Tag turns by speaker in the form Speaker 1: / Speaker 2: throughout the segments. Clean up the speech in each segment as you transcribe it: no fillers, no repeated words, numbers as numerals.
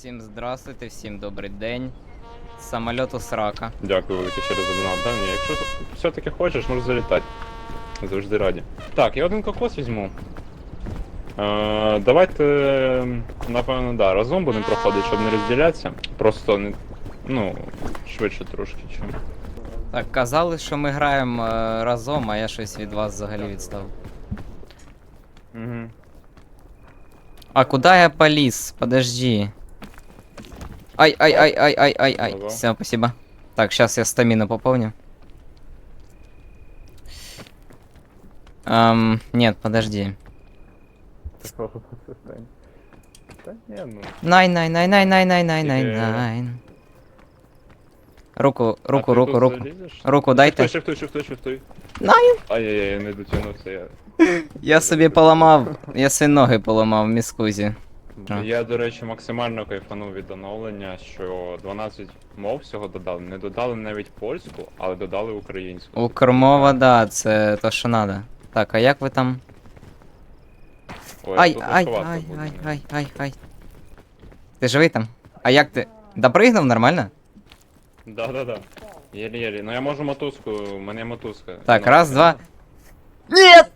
Speaker 1: Всім здравствуйте, всім добрий день. Самольоту срака.
Speaker 2: Дякую велике ще раз за донат. Да, ні, якщо все-таки хочеш, можеш залітати. Завжди раді. Так, я один кокос візьму. Давайте, напевно, да, разом будемо проходити, щоб не розділятися. Просто не. Ну, швидше трошки, чим.
Speaker 1: Так, казали, що ми граємо разом, а я щось від вас взагалі відстав.
Speaker 2: Угу.
Speaker 1: А куда я полез? Подожди. Ай.
Speaker 2: Ого.
Speaker 1: Все, спасибо. Так, сейчас я стамину пополню. Нет, подожди.
Speaker 2: Та ні, ну.
Speaker 1: Найн. Руку.
Speaker 2: А ти тут залізеш?
Speaker 1: Руку дайте.
Speaker 2: Шифтуй.
Speaker 1: Найн.
Speaker 2: Ай-яй-яй, я не дотягнувся, я.
Speaker 1: Я собі поламав, я свої ноги поламав в міскузі. А.
Speaker 2: Я, до речі, максимально кайфанув від оновлення, що 12 мов всього додали. Не додали навіть польську, але додали українську.
Speaker 1: Укрмова, да, це то, що надо. Так, а як ви там?
Speaker 2: Ой, тут важкувато буде.
Speaker 1: Ай. Ти живий там? А як ти? Допригнув нормально?
Speaker 2: Да. Єлі-єлі. Ну я можу мотузку, у мене є мотузка.
Speaker 1: Так,
Speaker 2: Ну,
Speaker 1: раз, два. Нет!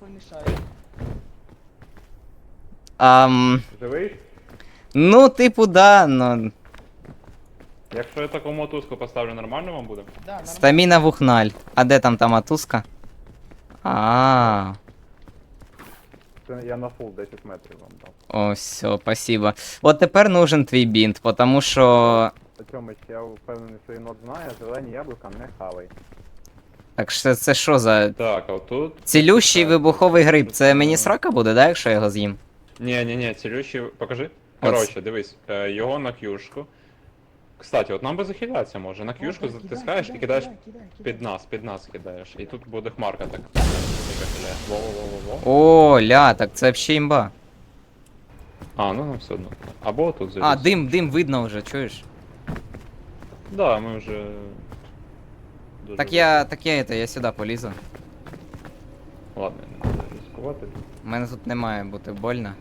Speaker 2: Живий?
Speaker 1: Ну, типу, да, но...
Speaker 2: Якщо я таку мотузку поставлю, нормально вам буде?
Speaker 1: Стаміна вухналь. А де там та мотузка? А.
Speaker 2: Це я на фул 10 метрів вам дав.
Speaker 1: О, все, спасибо. От тепер нужен твій бінт, потому що...
Speaker 2: Тьомич, я впевнений, що єнот знає, зелені яблука не хавай.
Speaker 1: Так, це що за...
Speaker 2: Так, а тут...
Speaker 1: Цілющий вибуховий гриб, це мені срака буде, да, якщо я його з'їм?
Speaker 2: Ні, цілющий, покажи. Коротше, дивись, його на к'юшку. Кстати, от нам би захилятися може. На к'юшку затискаєш і кидаєш під нас кидаєш. І тут буде хмарка так. Во-во-во-во-во.
Speaker 1: О, ля, так це взагалі імба.
Speaker 2: А, ну все одно. Або тут заліз.
Speaker 1: А, дим видно вже, чуєш?
Speaker 2: Да, ми вже... дуже
Speaker 1: Так я сюди полізу.
Speaker 2: Ладно, не буду ризикувати.
Speaker 1: У мене тут не має бути больно.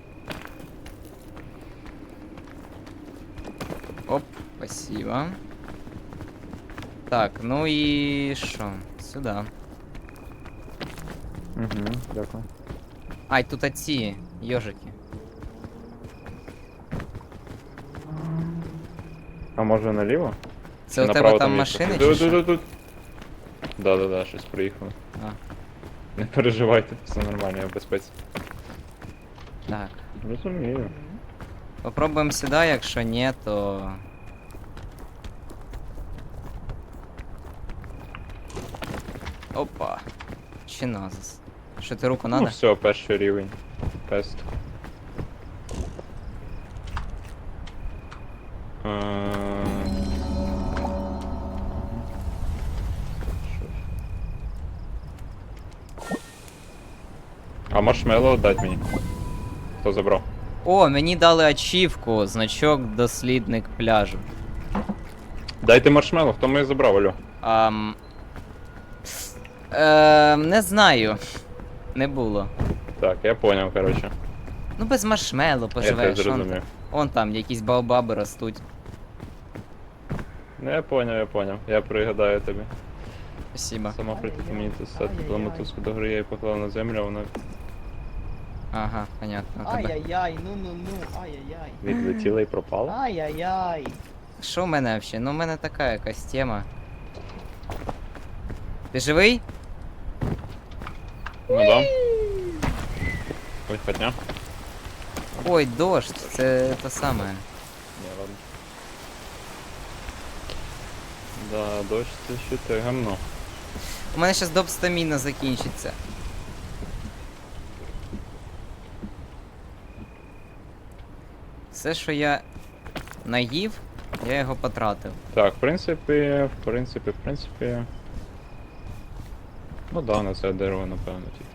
Speaker 1: Оп, спасибо. Так, ну і що? Сюди.
Speaker 2: Угу, дякую.
Speaker 1: Ай, тут оці йожики.
Speaker 2: А може наліво?
Speaker 1: Це у тебе
Speaker 2: Направо
Speaker 1: там
Speaker 2: є
Speaker 1: машини
Speaker 2: щось.
Speaker 1: чи що?
Speaker 2: Тут. Да, щось приїхало.
Speaker 1: А,
Speaker 2: Не переживайте, все нормально, я в безпеці.
Speaker 1: так.
Speaker 2: Розумію.
Speaker 1: Попробуємо сюди, якщо ні, то... Опа. Чиназис. Що ти руку
Speaker 2: Ну
Speaker 1: надо?
Speaker 2: все, перший рівень. Тест. А маршмеллоу дать мені. Хто забрав?
Speaker 1: О, мені дали ачівку, значок дослідник пляжу.
Speaker 2: Дайте маршмеллоу, хто мене забрав, алло?
Speaker 1: Не знаю. Не було.
Speaker 2: Так, я поняв, короче.
Speaker 1: Ну без маршмеллоу
Speaker 2: Я
Speaker 1: поживеш.
Speaker 2: теж зрозумів.
Speaker 1: Вон там якісь баобаби ростуть.
Speaker 2: Ну я поняв. Я пригадаю тобі.
Speaker 1: Спасибо.
Speaker 2: Сама прийти мені це все, коли мотузку до гри я її поклав на землю, а вона
Speaker 1: Ага, понятно. Тебе.
Speaker 3: Ай-яй-яй, ну, ай-яй-яй.
Speaker 2: відлетіла і пропала.
Speaker 3: Ай-яй-яй.
Speaker 1: Що в мене взагалі? Ну в мене така якась тема. Ти живий?
Speaker 2: Ну да. Ой, хотня.
Speaker 1: Ой, дощ, це те саме.
Speaker 2: Не, ладно. Да, дощ це ще те гамно.
Speaker 1: У мене зараз доп стаміна закінчиться. Все, що я наїв, я його потратив.
Speaker 2: Так, в принципі. Ну да, на це дерево, напевно, тільки.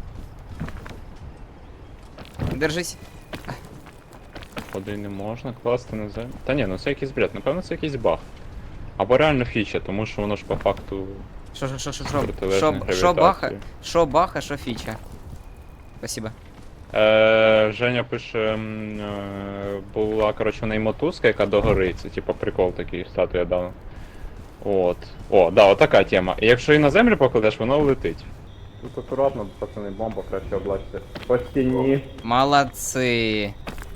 Speaker 1: Держись.
Speaker 2: Ходи не можна класти на землю. Та ні, ну це якийсь бред, напевно це якийсь баг. Або реально фіча, тому що воно ж по факту
Speaker 1: Що?
Speaker 2: протилежне
Speaker 1: Що баха,
Speaker 2: гравітації.
Speaker 1: що баха, що фіча. Спасибо.
Speaker 2: Женя пише, була, коротше, в неї мотузка, яка догорить. Це типа прикол такий, статуя дав. От. О, да, отака тема. І якщо її на землю покладеш, воно летить. Тут акуратно, пацани, бомба краще облачте. По стіні.
Speaker 1: Молодці.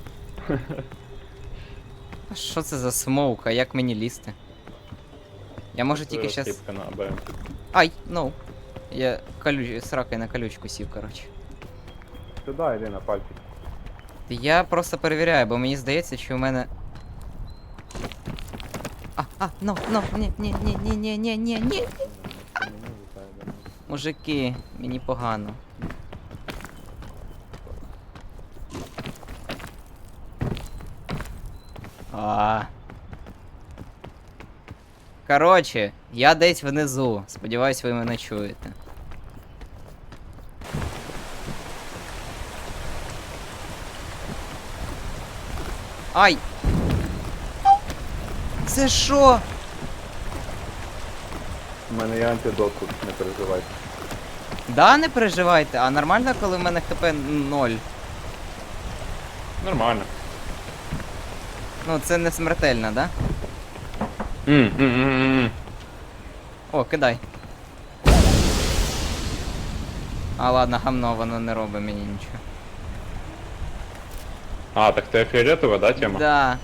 Speaker 1: А що це за смоук, а як мені лізти? Я можу тільки щас...
Speaker 2: Скіпка на АБМ.
Speaker 1: Ай, ну. Я з ракою на колючку сів, коротше.
Speaker 2: Сюди йди на пальчик.
Speaker 1: Я просто перевіряю, бо мені здається, що у мене. Ні. Мужики, мені погано. А. Короче, я десь внизу. Сподіваюсь, ви мене чуєте. Ай! Це що?
Speaker 2: У мене є антидот тут, не переживайте.
Speaker 1: Да, не переживайте, а нормально, коли в мене хп 0.
Speaker 2: Нормально.
Speaker 1: Ну, це не смертельно, да? О, кидай. А ладно, гамно, воно не робить мені нічого.
Speaker 2: А, так ти фіолетова, да, тема?
Speaker 1: Да.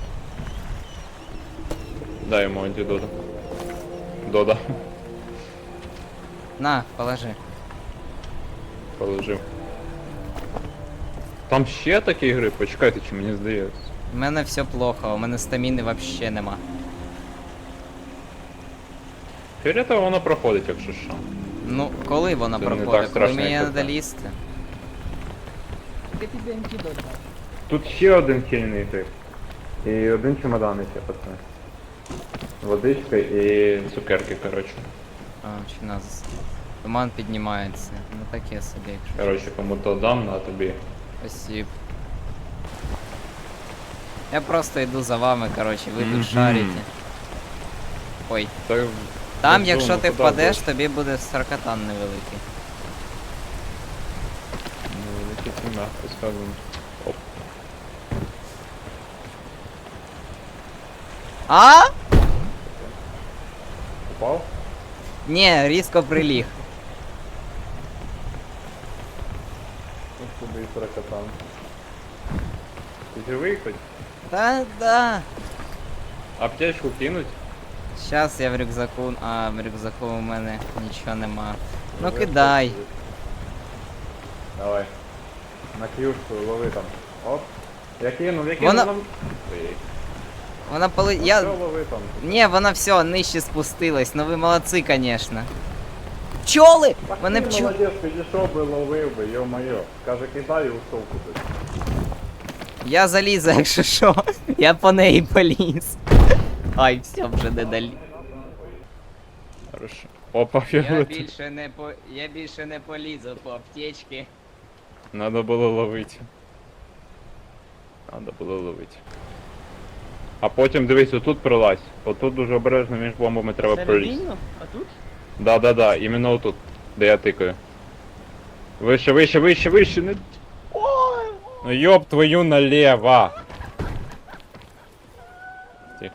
Speaker 2: Дай йому антидота. Дода.
Speaker 1: На, положи.
Speaker 2: Положив. Там ще такі гри, почекайте, чи мені здається.
Speaker 1: У мене все плохо, у мене стаміни вообще нема.
Speaker 2: Фіолетова воно проходить, якщо що.
Speaker 1: Ну, коли вона
Speaker 2: Це не так
Speaker 1: проходить? Коли
Speaker 2: страшно,
Speaker 1: мені
Speaker 2: як
Speaker 1: треба
Speaker 2: це.
Speaker 1: лізти?
Speaker 3: Ти тобі антидот дав.
Speaker 2: Тут ще один хильний тип. І один чемодан ще, пацани. Водичка і цукерки, коротше.
Speaker 1: А, чи нас. Туман піднімається. Ну таке собі, якщо.
Speaker 2: Коротше, кому то дам, на тобі.
Speaker 1: Спасибо. Я просто йду за вами, коротше, ви
Speaker 2: Мгм.
Speaker 1: тут шарите. Ой.
Speaker 2: Так,
Speaker 1: Там,
Speaker 2: ну,
Speaker 1: якщо
Speaker 2: ну,
Speaker 1: ти
Speaker 2: куди
Speaker 1: впадеш,
Speaker 2: будеш?
Speaker 1: тобі буде саркатан невеликий.
Speaker 2: ну, якісь м'яко сказано. Оп.
Speaker 1: А?
Speaker 2: Упав?
Speaker 1: Ні, різко приліг.
Speaker 2: Ось тобі і сорокатан. Ти живий хоч?
Speaker 1: Да.
Speaker 2: Аптечку кинуть?
Speaker 1: Щас я в рюкзаку. А, в рюкзаку у мене нічого нема. Ну
Speaker 2: Живе,
Speaker 1: кидай.
Speaker 2: хлопці. Давай. На клюшку лови там. Оп. Я кинув.
Speaker 1: Вона-
Speaker 2: нам- Ой,
Speaker 1: Вона поли.
Speaker 2: ну
Speaker 1: Я.
Speaker 2: все, лови там.
Speaker 1: Ні, вона все, нижче спустилась. Ну ви молодці, конечно. Пчоли!
Speaker 2: Так
Speaker 1: Вони
Speaker 2: ти
Speaker 1: пчоли.
Speaker 2: молодець, підійшов би, ловив би, йо-моє. Каже, кидай і ушов кудись.
Speaker 1: Я залізу, якщо що. Я по неї поліз. Ай, все, вже не далі.
Speaker 2: Хорошо. Опа, фіолет.
Speaker 1: Я більше не полізу по аптечці.
Speaker 2: Надо було ловити. Надо було ловити. А потім дивись, отут пролазь. Отут дуже обережно між бомбами треба пролізти.
Speaker 3: Середину? А тут?
Speaker 2: Да, іменно отут, де я тикаю. Вище, не... Ну ёб твою налево! Тихо.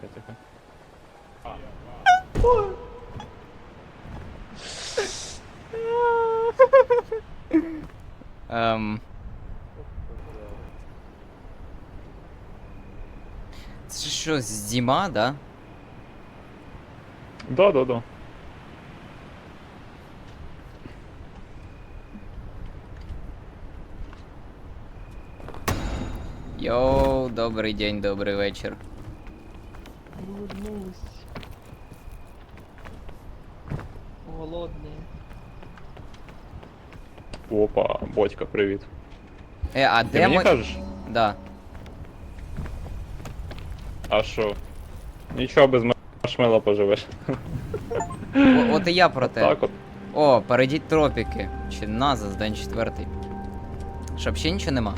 Speaker 1: Це що, зима, да?
Speaker 2: Да.
Speaker 1: Йоу, добрий день, добрий вечір.
Speaker 3: Улыбнулась. Голодний.
Speaker 2: Опа, Бодька, привіт.
Speaker 1: А
Speaker 2: Ти
Speaker 1: де
Speaker 2: мені
Speaker 1: ми...
Speaker 2: кажеш?
Speaker 1: Да.
Speaker 2: А що? Нічого, без маршмела поживеш.
Speaker 1: От і я про те.
Speaker 2: Так от.
Speaker 1: О, перейдіть тропіки. Чи Назас, день 4. Щоб ще нічого нема.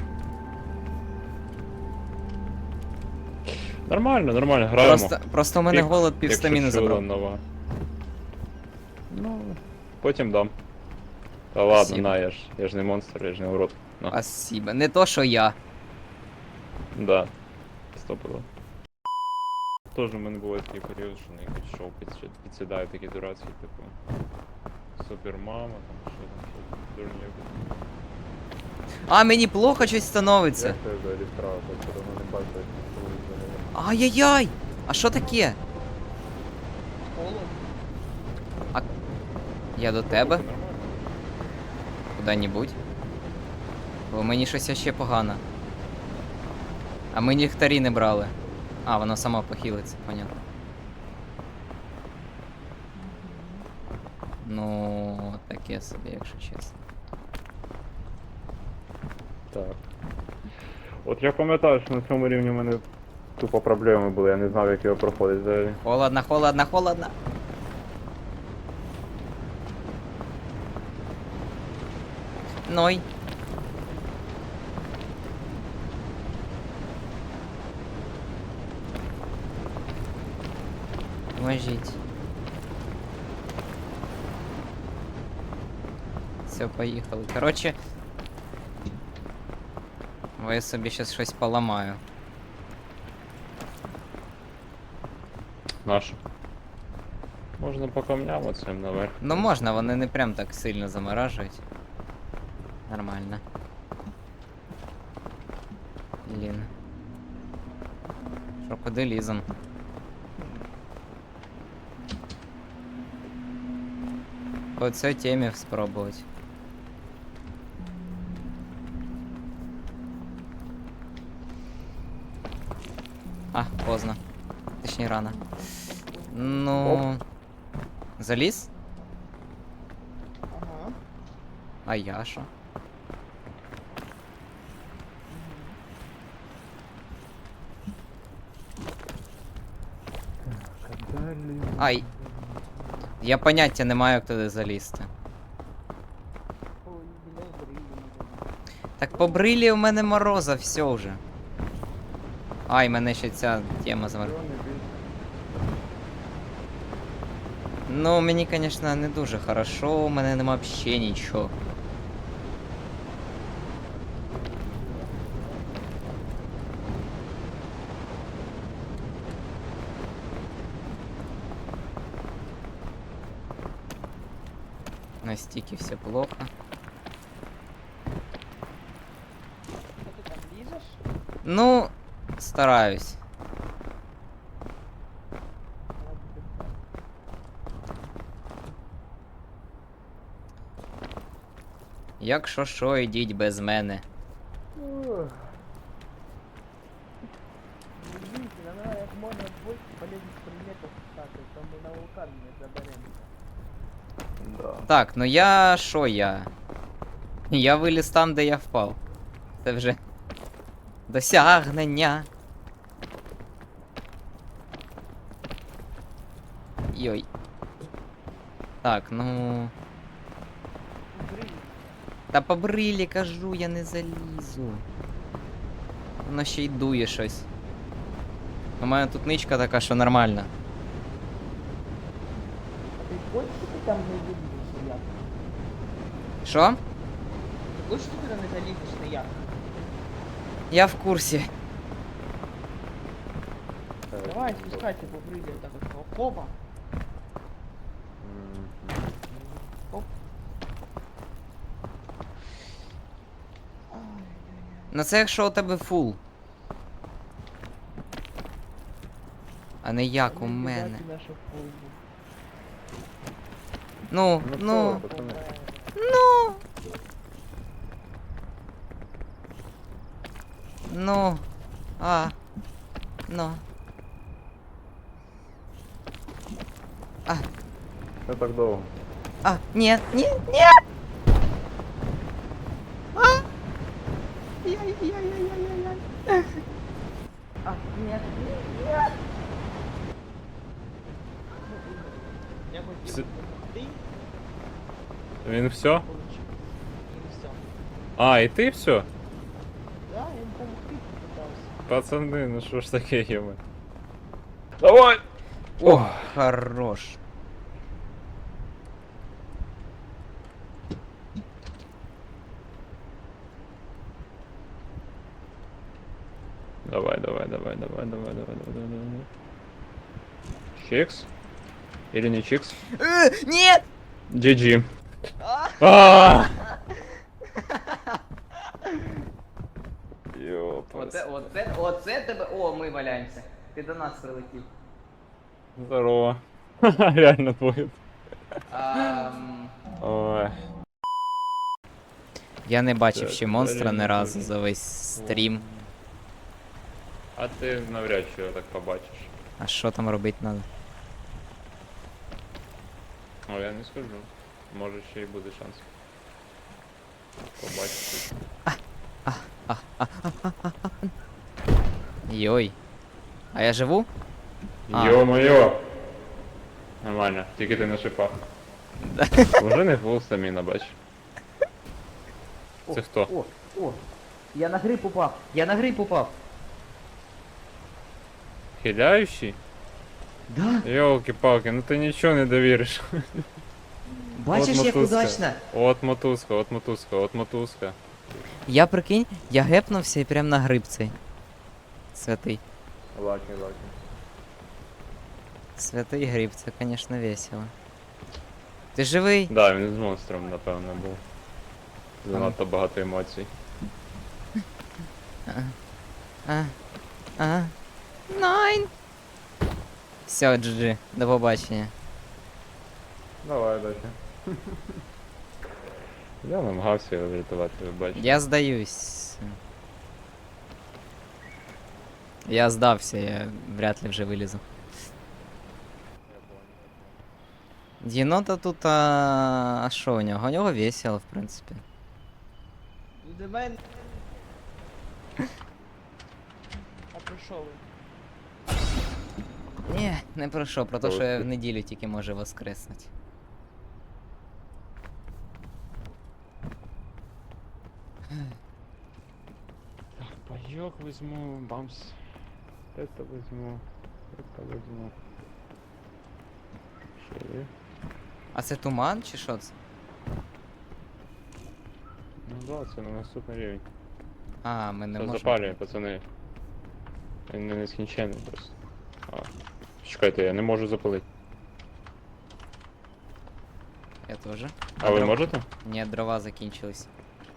Speaker 2: Нормально, граємо.
Speaker 1: Просто у мене
Speaker 2: Пік,
Speaker 1: голод
Speaker 2: якщо
Speaker 1: півстаміни
Speaker 2: чудо
Speaker 1: забрав.
Speaker 2: нова. Ну, потім дам. Та ладно,
Speaker 1: Спасибо.
Speaker 2: на, я ж не монстр, я ж не урод. Понятно.
Speaker 1: Спасибо. Не то, що я.
Speaker 2: Да. Стопило. Тоже в мене був такий період, що на якийсь шоу підсідає такі дурацькі, типу. Супермама, там що там, дурні.
Speaker 1: А, мені плохо щось становиться.
Speaker 2: це взагалі справа, так що давно не бачив, як це взагалі.
Speaker 1: Ай-яй-яй! А що таке?
Speaker 3: Холодно.
Speaker 1: Я до тебе?
Speaker 2: Це нормально.
Speaker 1: Куди-небудь? Бо мені щось ще погано. А ми ліхтарі не брали. А, воно само похилиться, понятно. Ну, таке собі, якщо чесно.
Speaker 2: Так. От я пам'ятаю, що на цьому рівні в мене тупо проблеми були, я не знав, як його проходить взагалі.
Speaker 1: Холодно, холодно, холодно. Ной. Поможіть. Все, поїхали. Короче, я собі щас щось поламаю.
Speaker 2: Наш. Можна по камням оцим наверх.
Speaker 1: Ну можна, вони не прям так сильно заморажують. Нормально. Блін. Що, куди лізем? По цій темі спробувати. А, поздно. Точніше, рано. Ну. Заліз?
Speaker 3: Ага.
Speaker 1: А я що? Ай. Я поняття не маю, як туди залізти.
Speaker 3: Ой, біля брилі.
Speaker 1: Так по брилі у мене мороза, все вже. Ай, мене ще ця тема замерзла. Ну, мені, конечно, не дуже хорошо, у мене нема взагалі нічого. Настільки все плохо.
Speaker 3: Що ти там лізеш?
Speaker 1: Ну, стараюсь. Якщо що, ідіть без мене.
Speaker 3: Дивіться, нам треба як можна більше полезних предметів стати, то ми на вулкан не заберемо.
Speaker 2: Да.
Speaker 1: Так, ну я що я? Я виліз там, де я впав. Це вже досягнення. Йой. Так, ну.
Speaker 3: Брилі.
Speaker 1: Та по брилі кажу, я не залізу. Воно ще й дує щось. У мене тут ничка така, що нормально.
Speaker 3: А ти хочеш, що ти там не залізеш ніяк?
Speaker 1: Що?
Speaker 3: Ти хочеш, що ти там не залізеш ніяк?
Speaker 1: Я в курсі.
Speaker 3: Давай, спускайся по брилі, так от. Опа. Оп.
Speaker 1: Ну це якщо у тебе фул. А не як у мене. Ну, ну, ну. Ну. А. Ну. А.
Speaker 2: Не так довго.
Speaker 1: А, нет, нет, нет! А! Яй-яй-яй-яй-яй-яй.
Speaker 3: А, нет, нет. Я
Speaker 2: С-
Speaker 3: хотів, ти
Speaker 2: Він все?
Speaker 3: получив. І все.
Speaker 2: А, і ти все?
Speaker 3: Да, я їм помогти попитався.
Speaker 2: Пацани, ну що ж таке єме? Давай!
Speaker 1: О, хорош.
Speaker 2: Давай, давай, давай, давай, давай, давай, давай, давай. Чикс? Или не чикс?
Speaker 1: Нет!
Speaker 2: GG. А! Ёпас.
Speaker 1: Оце тебе. О, ми валяємося. Ти до нас прилетів.
Speaker 2: Здорово. Реально твой.
Speaker 1: Ам,
Speaker 2: Ой.
Speaker 1: Я не бачив
Speaker 2: Так,
Speaker 1: ще монстра
Speaker 2: далі
Speaker 1: ні
Speaker 2: не
Speaker 1: разу
Speaker 2: дуже.
Speaker 1: за весь стрім.
Speaker 2: А ти навряд чи його так побачиш.
Speaker 1: А що там робити треба?
Speaker 2: О, я не скажу. Може ще й буде шанс. Побачити.
Speaker 1: Йой. А я живу? А.
Speaker 2: Йо-моє! Нормально, тільки ти на шипах. Уже не фул стаміна, бач. Це хто?
Speaker 1: О! Я на гриб упав! Я на гриб упав!
Speaker 2: Хиляющий?
Speaker 1: Да!
Speaker 2: Ёлки-палки, ну ти нічого не довіриш.
Speaker 1: Бачиш,
Speaker 2: От
Speaker 1: як
Speaker 2: мотузка.
Speaker 1: удачно!
Speaker 2: От мотузка, от мотузка, от мотузка.
Speaker 1: Я прикинь, я гепнувся і прям на гриб цей. Святий.
Speaker 2: Лаки, лаки.
Speaker 1: Святий гриб, це, конечно, весело. Ти живий?
Speaker 2: Да, він з монстром, напевно, був. Занадто багато емоцій.
Speaker 1: Ага. Найн! Все, GG, до побачення.
Speaker 2: Давай, далі. Я намагався його врятувати, ви бачите.
Speaker 1: Я здаюсь. Я здався, я вряд ли вже вилізу. Єнота тут, а що у нього? У нього весело, в принципі.
Speaker 3: До мене. А про що ви?
Speaker 1: Ні, не про що, про те, що я
Speaker 2: Добре.
Speaker 1: в неділю тільки може воскреснути.
Speaker 2: Так, пайок візьму, бамс. Это візьму, это візьму. Що є?
Speaker 1: А це туман чи що це?
Speaker 2: Ну да, це на наступний рівень.
Speaker 1: А, ми не
Speaker 2: Це
Speaker 1: можемо.
Speaker 2: запалює, пацани. Він не нескінчений просто. А. Чекайте, я не можу запалити.
Speaker 1: Я теж.
Speaker 2: А ви можете?
Speaker 1: Ні, дрова закінчились.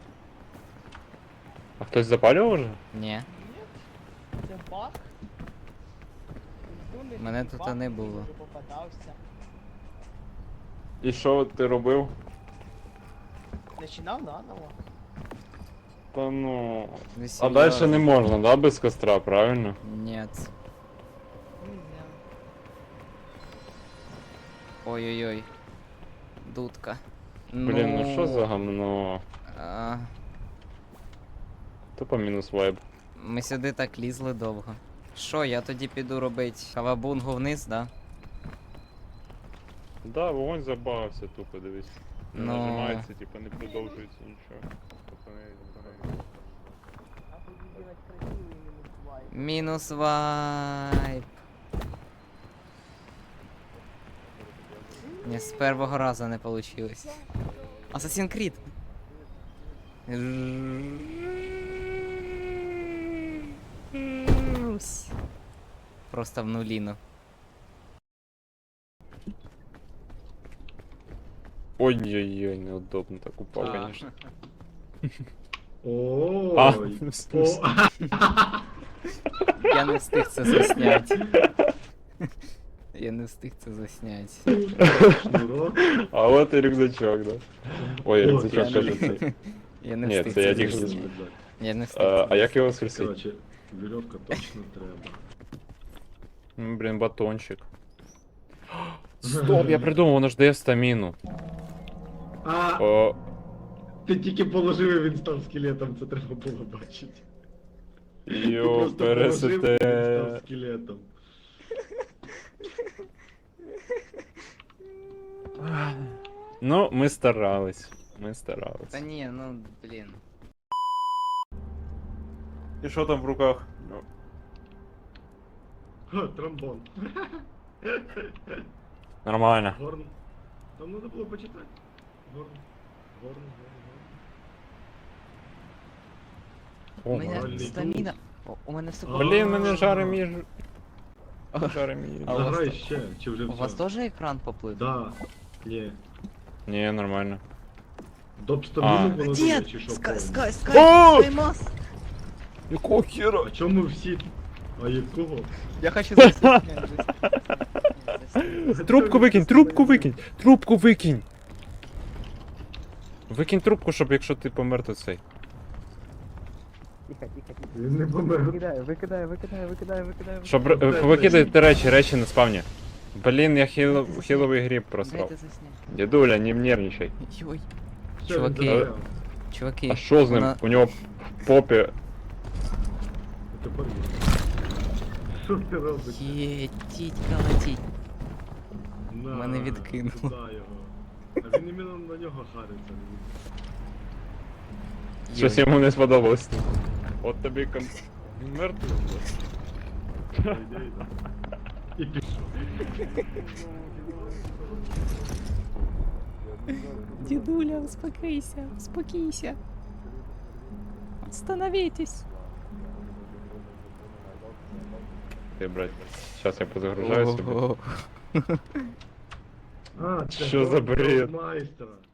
Speaker 2: А хтось запалював вже?
Speaker 1: Ні.
Speaker 3: Ні? Це баг? Думаєш,
Speaker 1: Мене
Speaker 3: це
Speaker 1: тут
Speaker 3: баг?
Speaker 1: не було.
Speaker 3: Може, попадався.
Speaker 2: І що ти робив?
Speaker 3: Начинав наново.
Speaker 2: Та ну.
Speaker 1: Ви
Speaker 2: А
Speaker 1: серйозно?
Speaker 2: дальше не можна, да, без костра, правильно?
Speaker 1: Нет.
Speaker 3: Не знаю.
Speaker 1: Ой-ой-ой. Дудка.
Speaker 2: Блін, ну що за гамно?
Speaker 1: А,
Speaker 2: Тупо мінус вайб.
Speaker 1: ми сюди так лізли довго. Що, я тоді піду робити кавабунгу вниз, да?
Speaker 2: Да, вогонь забагався тупо, дивись. Не
Speaker 1: Ну.
Speaker 2: нажимається, типу не продовжується нічого. Пацани.
Speaker 3: А тоді делать красивий мінус вайп.
Speaker 1: Мінус вайп. Ні, з першого разу не вийшло. Assassin's Creed. Просто в нуліну.
Speaker 2: Ой-ой-ой, неудобно так упав,
Speaker 1: А.
Speaker 2: конечно.
Speaker 4: Ой,
Speaker 2: в
Speaker 4: о,
Speaker 2: смысле?
Speaker 1: Я не встиг це засняти. Я не встиг це засняти.
Speaker 4: шнурок.
Speaker 2: А от і рюкзачок, да. Ой,
Speaker 4: О,
Speaker 2: рюкзачок
Speaker 4: я
Speaker 2: каже
Speaker 4: не-
Speaker 2: це.
Speaker 1: Я не
Speaker 2: Ні,
Speaker 1: встиг
Speaker 2: це я
Speaker 1: це
Speaker 2: тільки
Speaker 4: Що
Speaker 1: засняти.
Speaker 4: спитати?
Speaker 1: Я не встиг.
Speaker 2: А
Speaker 1: це
Speaker 2: як його
Speaker 1: засняти.
Speaker 2: скрестить?
Speaker 4: Короче, веревка точно треба.
Speaker 2: Блін, батончик. Стоп, я придумав, воно ж дає стаміну.
Speaker 4: А,
Speaker 2: О,
Speaker 4: ти тільки положив і він став скелетом, це треба було бачити. Ти
Speaker 2: йо,
Speaker 4: просто положив, і він став
Speaker 2: пересете.
Speaker 4: скелетом.
Speaker 2: Ну, ми старались. Ми старались.
Speaker 1: Та ні, ну блін.
Speaker 2: І що там в руках? Ну,
Speaker 4: Ха, тромбон.
Speaker 2: нормально.
Speaker 4: Горн. Там треба було почитати. Горн. Горн, горн,
Speaker 1: У
Speaker 2: О,
Speaker 1: мене
Speaker 4: моральний
Speaker 1: стаміна. У мене все
Speaker 4: А.
Speaker 2: Блін, мене жаре між...
Speaker 1: А.
Speaker 2: Жаре між...
Speaker 1: А у вас
Speaker 4: Заграй
Speaker 1: то-
Speaker 4: ще, чи вже
Speaker 1: У вас
Speaker 4: все?
Speaker 1: теж екран поплив?
Speaker 4: Да. Ні.
Speaker 2: Ні, нормально.
Speaker 4: Доп
Speaker 2: А.
Speaker 4: 100 воно дає,
Speaker 1: Дід!
Speaker 4: чи що?
Speaker 1: Скай,
Speaker 4: повно?
Speaker 1: скай,
Speaker 2: О!
Speaker 1: скай! Скаймас!
Speaker 2: Якого хера?
Speaker 4: А чому всі... А якого?
Speaker 1: Я хочу засняти.
Speaker 2: Трубку викинь, трубку викинь, трубку викинь. Викинь трубку, щоб якщо ти помер, то цей.
Speaker 3: Тихо, тихо, тихо.
Speaker 4: Він не помер.
Speaker 3: Викидаю.
Speaker 2: Щоб викидати речі на спавні. Блін, я хіловий гріб просрав.
Speaker 1: Дайте засняти.
Speaker 2: Дідуля, не нервничай.
Speaker 1: Йой.
Speaker 4: Все,
Speaker 1: Чуваки.
Speaker 4: він загоряв.
Speaker 1: Чуваки.
Speaker 2: А що з ним?
Speaker 1: вона-
Speaker 2: У нього в попі.
Speaker 4: Тепер він. Що ти робиш?
Speaker 1: Є, тітька летіть.
Speaker 4: На,
Speaker 1: Мене відкинуло.
Speaker 4: туди його. А він іменно на нього хариться.
Speaker 2: Щось йому не сподобалось. От тобі Він мертвий.
Speaker 4: Йде, йде. І пішов.
Speaker 1: Дедуля, успокойся, успокойся. Остановитесь.
Speaker 2: Ти, брать. Зараз я позагружаю собі.
Speaker 1: Ого.
Speaker 4: А, це
Speaker 2: Що за бред?
Speaker 4: майстра.